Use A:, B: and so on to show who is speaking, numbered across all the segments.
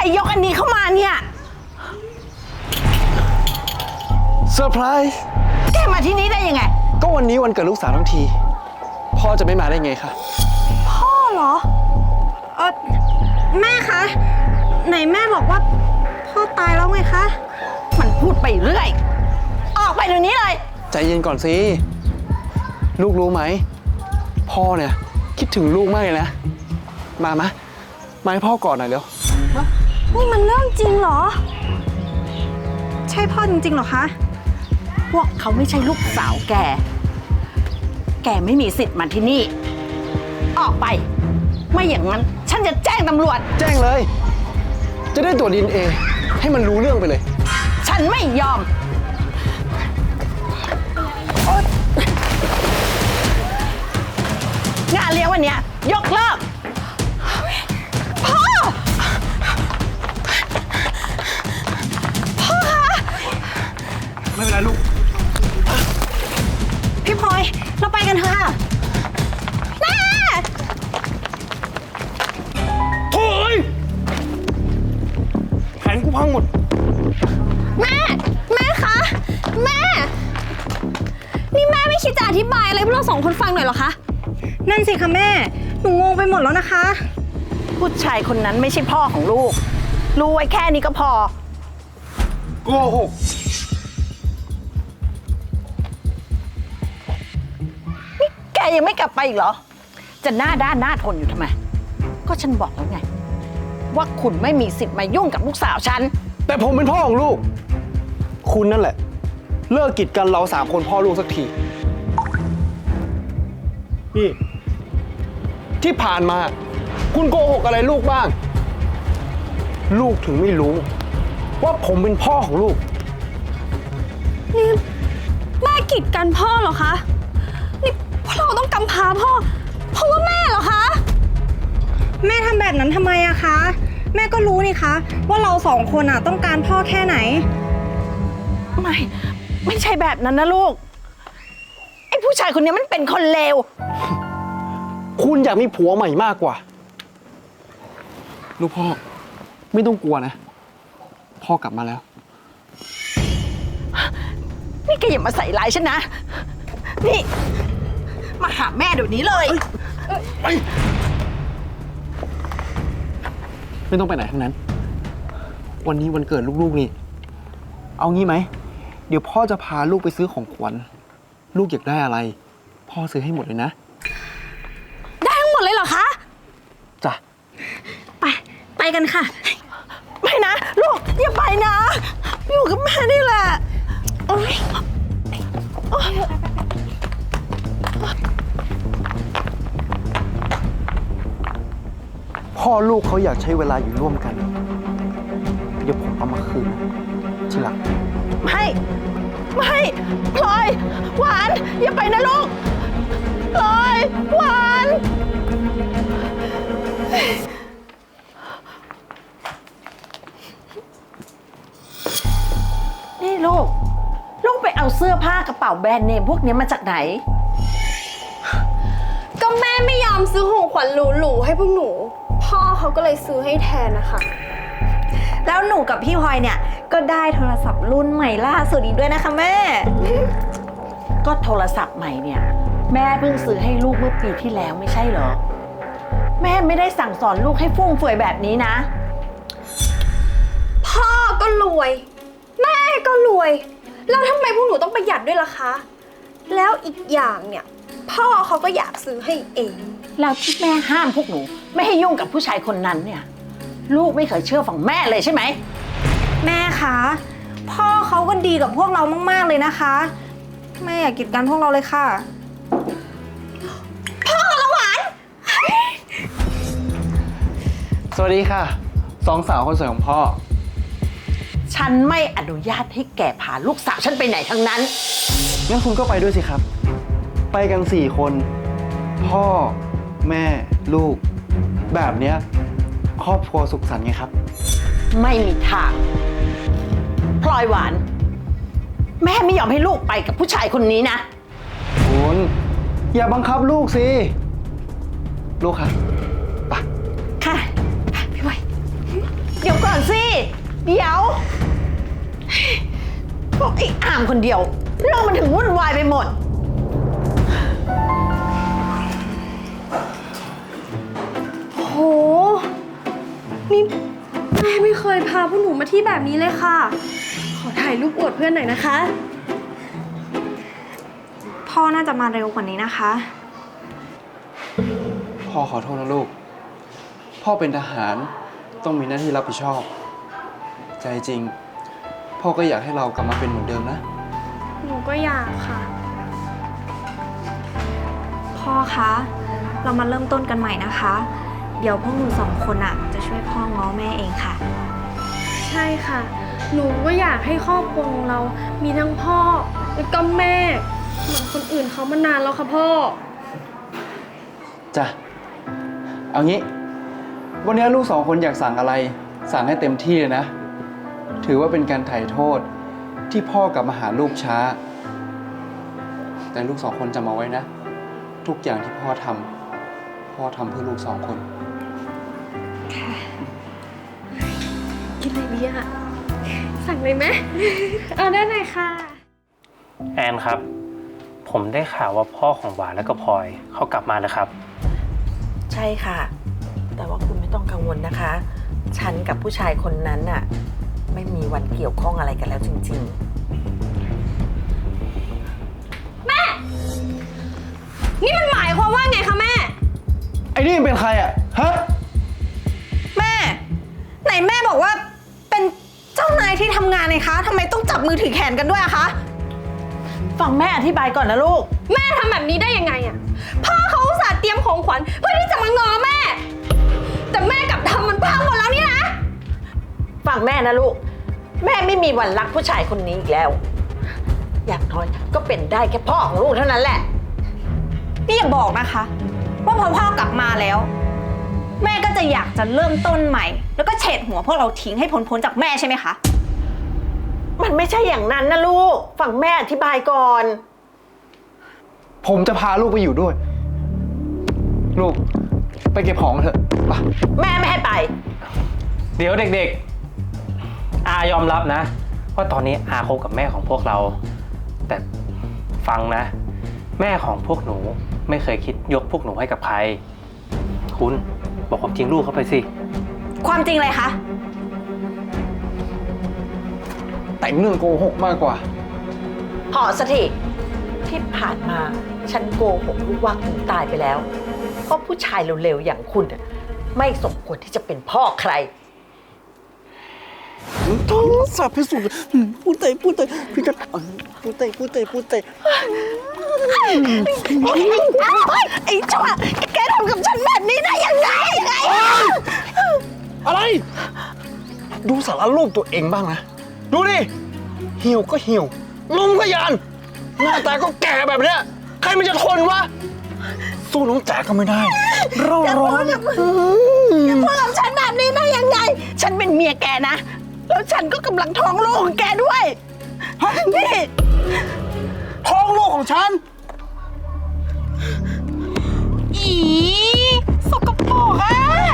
A: ยกอันนี้เข้ามาเนี่ย
B: เซอร์ไพรส์
A: แกมาที่นี่ได้ยังไง
B: ก็วันนี้วันเกิดลูกสาวทั้งทีพ่อจะไม่มาได้ไงคะ
C: พ่อเหรอแม่คะไหนแม่บอกว่าพ่อตายแล้วไงคะ
A: มันพูดไปเรื่อยออกไปเดี๋ยวนี้เลย
B: ใจเย็นก่อนสิลูกรู้ไหมพ่อเนี่ยคิดถึงลูกมากเลยนะมาให้พ่อกอดหน่อยเร็ว
C: นี่มันเรื่องจริงเหรอใช่พ่อจริงๆเหรอคะ
A: พวกเขาไม่ใช่ลูกสาวแกไม่มีสิทธิ์มาที่นี่ออกไปไม่อย่างนั้นฉันจะแจ้งตำรวจ
B: แจ้งเลยจะได้ตรวจ DNA ให้มันรู้เรื่องไปเลย
A: ฉันไม่ยอมงานเลี้ยงวันนี้ยกเลิกพ่อ
C: คะ
B: ไม่เป็นไรลูก
C: พี่พลอยเราไปกันเถอะแม่
B: โถ่แผนกูพังหมด
C: แม่คะแม่นี่แม่ไม่คิดจะอธิบายอะไรพวกเราสองคนฟังหน่อยเหรอคะนั่นสิคะแม่หนูงงไปหมดแล้วนะคะ
A: ผู้ชายคนนั้นไม่ใช่พ่อของลูกรู้ไว้แค่นี้ก็พอ
B: โกหก
A: นี่แกยังไม่กลับไปอีกเหรอจะหน้าด้านหน้าทนอยู่ทำไมก็ฉันบอกแล้วไงว่าคุณไม่มีสิทธิ์มายุ่งกับลูกสาวฉัน
B: แต่ผมเป็นพ่อของลูกคุณนั่นแหละเลิกกีดกันเรา3 คนพ่อลูกสักทีนี่ที่ผ่านมาคุณโกหกอะไรลูกบ้างลูกถึงไม่รู้ว่าผมเป็นพ่อของลูก
C: นี่แม่กีดกันพ่อเหรอคะนี่พวกเราต้องกำพร้าพ่อเพราะว่าแม่เหรอคะแม่ทำแบบนั้นทำไมอะคะแม่ก็รู้นี่คะว่าเรา2 คนอะต้องการพ่อแค่ไหน
A: ไม่ใช่แบบนั้นนะลูกไอ้ผู้ชายคนนี้มันเป็นคนเลว
B: คุณอยากมีผัวใหม่มากกว่าลูกพ่อไม่ต้องกลัวนะพ่อกลับมาแล้ว
A: นี่แกอย่ามาใส่ร้ายฉันนะนี่มาหาแม่เดี๋ยวนี้เลย
B: ไม่ต้องไปไหนทั้งนั้นวันนี้วันเกิดลูกๆนี่เอางี้ไหมเดี๋ยวพ่อจะพาลูกไปซื้อของขวัญลูกอยากได้อะไรพ่อซื้อให้หมดเลยนะ
C: ได้ทั้งหมดเลยเหรอคะ
B: จ้ะ
C: ไปกันค่ะ
A: ไม่นะลูกอย่าไปนะอยู่กับแม่นี่แหละ
B: พ่อลูกเขาอยากใช้เวลาอยู่ร่วมกันเดี๋ยวผมเอามาคืนทีหลัง
A: ไม่พลอยหวานอย่าไปนะลูกพลอยหวานนี่ลูกไปเอาเสื้อผ้ากระเป๋าแบรนด์เนมพวกนี้มาจากไหน
C: ก็แม่ไม่ยอมซื้อของขวัญหรูๆให้พวกหนูพ่อเขาก็เลยซื้อให้แทนนะคะแล้วหนูกับพี่พลอยเนี่ยก็ได้โทรศัพท์รุ่นใหม่ล่าสุดอีกด้วยนะคะแม่
A: ก็โทรศัพท์ใหม่เนี่ยแม่เพิ่งซื้อให้ลูกเมื่อปีที่แล้วไม่ใช่เหรอแม่ไม่ได้สั่งสอนลูกให้ฟุ่มเฟือยแบบนี้นะ
C: พ่อก็รวยแม่ก็รวยแล้วทำไมพวกหนูต้องประหยัดด้วยล่ะคะแล้วอีกอย่างเนี่ยพ่อเขาก็อยากซื้อให้เอง
A: แล้วที่แม่ห้ามพวกหนูไม่ให้ยุ่งกับผู้ชายคนนั้นเนี่ยลูกไม่เคยเชื่อฝั่งแม่เลยใช่ไหม
C: แม่คะพ่อเขาก็ดีกับพวกเรามากๆเลยนะคะแม่อย่ากีดกันพวกเราเลยค่ะพ่อละหวาน
B: สวัสดีค่ะ2 สาวคนสวยของพ่อ
A: ฉันไม่อนุญาตให้แกพาลูกสาวฉันไปไหนทั้งนั้น
B: งั้นคุณก็ไปด้วยสิครับไปกัน4 คนพ่อแม่ลูกแบบเนี้ยครอบครัวสุขสันต์ไงครับ
A: ไม่มีทางพลอยหวานแม่ไม่ยอมให้ลูกไปกับผู้ชายคนนี้นะ
B: คุณอย่าบังคับลูกสิลูกค่ะไป
A: ค่ะพี่ไว้เดี๋ยวก่อนสิ เดี๋ยวพวกไอ้อามคนเดียว เรื่องมันถึงวุ่นวายไปหมด
C: โห นี่แม่ไม่เคยพาพวกหนูมาที่แบบนี้เลยค่ะ ขอถ่ายรูปอวดเพื่อนหน่อยนะคะ พ่อน่าจะมาเร็วกว่านี้นะคะ
B: พ่อขอโทษนะลูก พ่อเป็นทหารต้องมีหน้าที่รับผิดชอบ ใจจริง พ่อก็อยากให้เรากลับมาเป็นเหมือนเดิมนะ
C: หนูก็อยากค่ะ พ่อคะ เรามาเริ่มต้นกันใหม่นะคะ เดี๋ยวพวกหนูสองคนอะจะช่วยพ่อง้อแม่เองค่ะ ใช่ค่ะ หนูก็อยากให้ครอบครัวของเรามีทั้งพ่อแล้วก็แม่เหมือนคนอื่นเขามานานแล้วค่ะพ่อ
B: จ้ะ เอางี้ วันนี้ลูกสองคนอยากสั่งอะไร สั่งให้เต็มที่เลยนะ ถือว่าเป็นการไถ่โทษที่พ่อกลับมาหาลูกช้า แต่ลูกสองคนจำเอาไว้นะ ทุกอย่างที่พ่อทำเพื่อลูกสองคน
C: กินอะไรดีอะสั่งเลยไหม เอาได้เลยค่ะ
D: แอนครับ ผมได้ข่าวว่าพ่อของหวานและก็พลอยเขากลับมาแล้วครับ
A: ใช่ค่ะ แต่ว่าคุณไม่ต้องกังวลนะคะ ฉันกับผู้ชายคนนั้นน่ะ ไม่มีวันเกี่ยวข้องอะไรกันแล้วจริง
C: นี่มันหมายความว่าไงคะแม่
B: ไอ้นี่เป็นใครอ่ะ ฮะ
C: แม่ ไหนแม่บอกว่าเป็นเจ้านายที่ทำงานไงคะทำไมต้องจับมือถือแขนกันด้วยอะคะ
A: ๆ ฟังแม่อธิบายก่อนนะลูก
C: แม่ทำแบบนี้ได้ยังไงอะพ่อเขาอุตส่าห์เตรียมของขวัญเพื่อที่จะมางอแม่ แต่แม่กลับทำมันพังหมดแล้วนี่นะ
A: ฟังแม่นะลูก แม่ไม่มีวันรักผู้ชายคนนี้อีกแล้ว อย่างน้อยก็เป็นได้แค่พ่อของลูกเท่านั้นแหละ
C: นี่อย่าบอกนะคะ ว่าพอพ่อกลับมาแล้ว แม่ก็จะอยากจะเริ่มต้นใหม่ แล้วก็เฉดหัวพวกเราทิ้งให้พ้นจากแม่ใช่ไหมคะ
A: มันไม่ใช่อย่างนั้นนะลูก ฟังแม่อธิบายก่อน
B: ผมจะพาลูกไปอยู่ด้วย ลูก ไปเก็บของกันเถอะไป
A: แม่ไม่ให้ไป
D: เดี๋ยวเด็กๆ อายอมรับนะ ว่าตอนนี้อาคบกับแม่ของพวกเรา แต่ฟังนะ แม่ของพวกหนูไม่เคยคิดยกพวกหนูให้กับใคร คุณบอกความจริงลูกเขาไปสิ
C: ความจริงเลยคะ
B: แต่งเรื่องโกหกมากกว่า
A: พอสักทีที่ผ่านมาฉันโกหกลูกว่าคุณตายไปแล้ว เพราะผู้ชายเร็วๆอย่างคุณน่ะไม่สมควรที่จะเป็นพ่อใคร
B: ท้องสับพิสูจน์พูดเตยพี่จะพูดเตย
A: ไอ้ชั่วแกทำกับฉันแบบนี้ได้ยังไง
B: อะไร ดูสารรูปตัวเองบ้างนะ ดูดิ เหี่ยวก็เหี่ยวลมก็ยาน หน้าตาก็แก่แบบเนี้ย ใครมันจะทนวะ สู้น้องจ๋าก็ไม่ได้ เราร้อน
A: พูดกับฉันแบบนี้ได้ยังไง ฉันเป็นเมียแกนะ แล้วฉันก็กำลังท้องลูกของแกด้วยนี่
B: ท้องลูกของฉัน
C: อีสกปรกอะ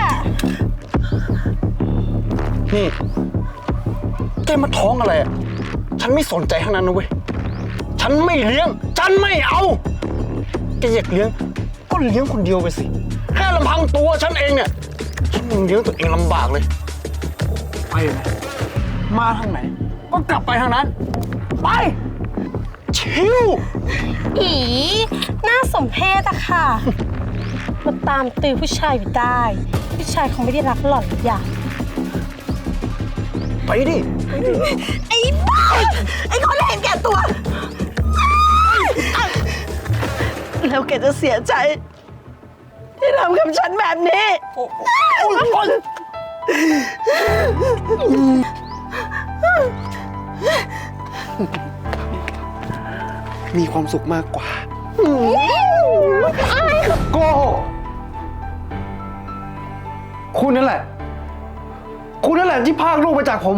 B: นี่แกมาท้องอะไรอ่ะ ฉันไม่สนใจทั้งนั้นนะเว้ย ฉันไม่เลี้ยง ฉันไม่เอา แกอยากเลี้ยง ก็เลี้ยงคนเดียวไปสิ แค่ลำพังตัวฉันเองเนี่ย ฉันยังเลี้ยงตัวเองลำบากเลย ไปไหนมาทางไหน ก็กลับไปทางนั้น ไป ชิว
C: อีน่าสมเพชอะค่ะ มาตามตือผู้ชายอยู่ได้ ผู้ชายเขาไม่ได้รักหล่อนหรอกอย่าง
B: ไปดิ
A: ไอ้บ้าไอ้คนเห็นแก่ตัว แล้วแกจะเสียใจ ที่ทำกับฉันแบบนี้
B: มีความสุขมากกว่าโกหกคุณนั่นแหละ ที่พรากลูกไปจากผม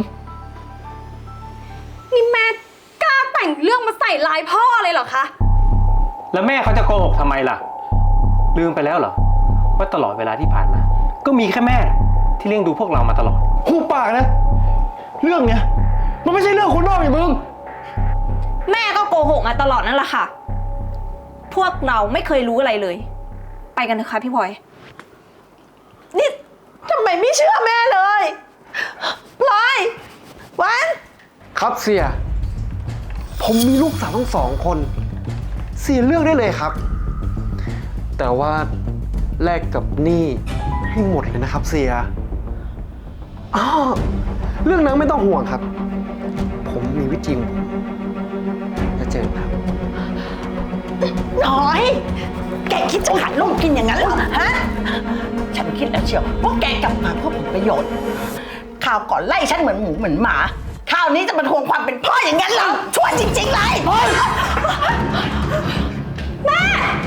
C: นี่แม่กล้าแต่งเรื่องมาใส่ร้ายพ่อเลยเหรอคะ
D: แล้วแม่เขาจะโกหกทำไมล่ะ ลืมไปแล้วเหรอ ว่าตลอดเวลาที่ผ่านมา ก็มีแค่แม่ที่เลี้ยงดูพวกเรามาตลอด
B: หูปากนะ เรื่องเนี้ยมันไม่ใช่เรื่องคนนอกอย่างมึง
C: แม่ก็โกหกมาตลอดนั่นแหละค่ะ พวกเราไม่เคยรู้อะไรเลย ไปกันเถอะค่ะพี่พลอย
A: นี่ทำไมไม่เชื่อแม่เลยพลอยวัน
B: ครับเสีย ผมมีลูกสาวทั้ง2 คน เสียเลือกได้เลยครับ แต่ว่าแลกกับหนี้ให้หมดเลยนะครับเสียอ๋อเรื่องนั้นไม่ต้องห่วงครับ ผมมีวิธีของผมจะเจอครับ
A: น้อย แกคิดจะหาลูกกินอย่างนั้นเหรอฮะ ฉันคิดแล้วเชียวว่าแกกลับมาเพื่อผลประโยชน์ข่าวก่อนไล่ฉันเหมือนหมูเหมือนหมาคราวนี้จะมาทวงความเป็นพ่ออย่างนั้นเหรอชั่วจริงๆเลยแม่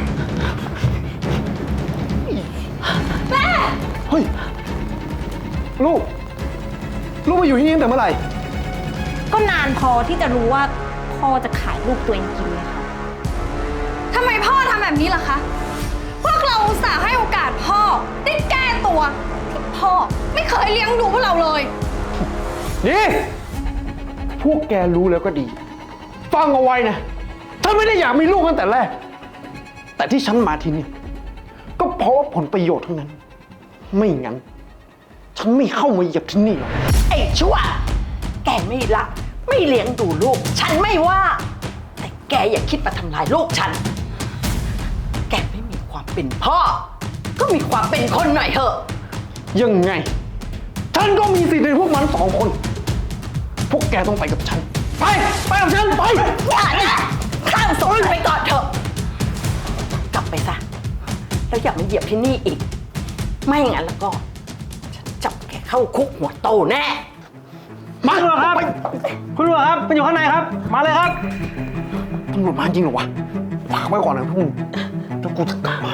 B: เฮ้ย ลูกมาอยู่ที่นี่ตั้งแต่เมื่อไหร่
C: ก็นานพอที่จะรู้ว่าพ่อจะขายลูกตัวเองกินเลยค่ะทำไมพ่อทำแบบนี้ล่ะคะ พวกเราอุตส่าห์ให้โอกาสพ่อได้แก้ตัวที่พ่อไม่เคยเลี้ยงดูพวกเราเลย
B: นี่ พวกแกรู้แล้วก็ดี ฟังเอาไว้นะถ้าไม่ได้อยากมีลูกตั้งแต่แรก แต่ที่ฉันมาที่นี่ก็เพราะว่าผลประโยชน์ทั้งนั้น ไม่งั้น ฉันไม่เข้ามาเหยียบที่นี่หรอก
A: ไอ้ชั่ว แกไม่รักไม่เลี้ยงดูลูก ฉันไม่ว่า แต่แกอย่าคิดมาทำลายลูกฉัน แกไม่มีความเป็นพ่อ ก็มีความเป็นคนหน่อยเถอะ
B: ยังไง ฉันก็มีสิทธิ์ในพวกมัน2 คน พวกแกต้องไปกับฉัน ไปกับฉัน ไป
A: อย่านะข้ามสนไปก่อนเถอะ กลับไปซะ แล้วอย่ามาเหยียบที่นี่อีก ไม่งั้นแล้วก็ ฉันจับแกเข้าคุกหัวโตแน่
B: มาคุณตำรวจครับ คุณตำรวจครับมันอยู่ข้างในครับ มาเลยครับตำรวจมาจริงเหรอวะฝากไว้ก่อนนะพวกมึงแล้วกูจะกลับมา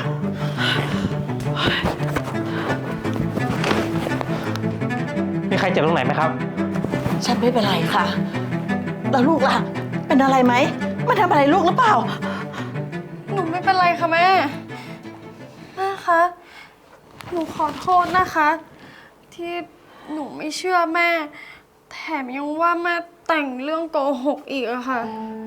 D: มีใครเจ็บตรงไหนไหมครับ
A: ฉันไม่เป็นไรค่ะ แล้วลูกล่ะ เป็นอะไรไหมมาทำอะไรลูกหรือเปล่า
C: หนูไม่เป็นไรค่ะแม่ แม่คะ หนูขอโทษนะคะ ที่หนูไม่เชื่อแม่ แถมยังว่าแม่แต่งเรื่องโกหกอีกอะค่ะ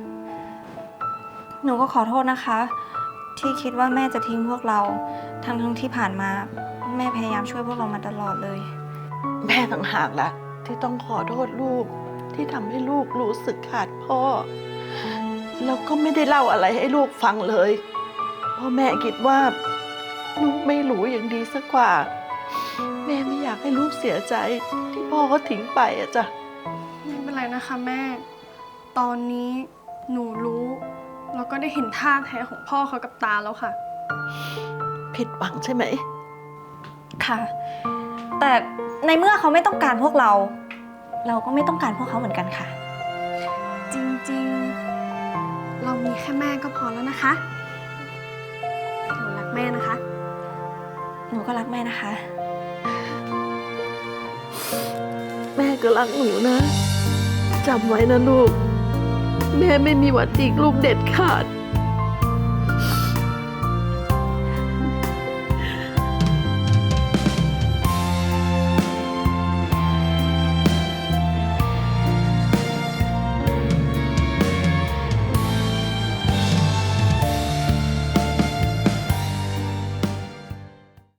C: หนูก็ขอโทษนะคะ ที่คิดว่าแม่จะทิ้งพวกเรา ทั้งที่ผ่านมา แม่พยายามช่วยพวกเรามาตลอดเลย
A: แม่ต่างหากละที่ต้องขอโทษลูกที่ทำให้ลูกรู้สึกขาดพ่อ แล้วก็ไม่ได้เล่าอะไรให้ลูกฟังเลยเพราะแม่คิดว่าลูกไม่รู้อย่างดีสักกว่า แม่ไม่อยากให้ลูกเสียใจที่พ่อเขาทิ้งไปอะจ้ะ
C: ไม่เป็นไรนะคะแม่ ตอนนี้หนูรู้แล้วก็ได้เห็นท่าแท้ของพ่อเขากับตาแล้วค่ะ
A: ผิดหวังใช่ไหม
C: ค่ะ แต่ในเมื่อเขาไม่ต้องการพวกเรา เราก็ไม่ต้องการพวกเขาเหมือนกันค่ะ จริงๆ เรามีแค่แม่ก็พอแล้วนะคะ หนูรักแม่นะคะ หนูก็รักแม่นะคะ
A: แม่ก็รักหนูนะจำไว้นะลูก แม่ไม่มีวันทิ้งลูกเด็ดขาด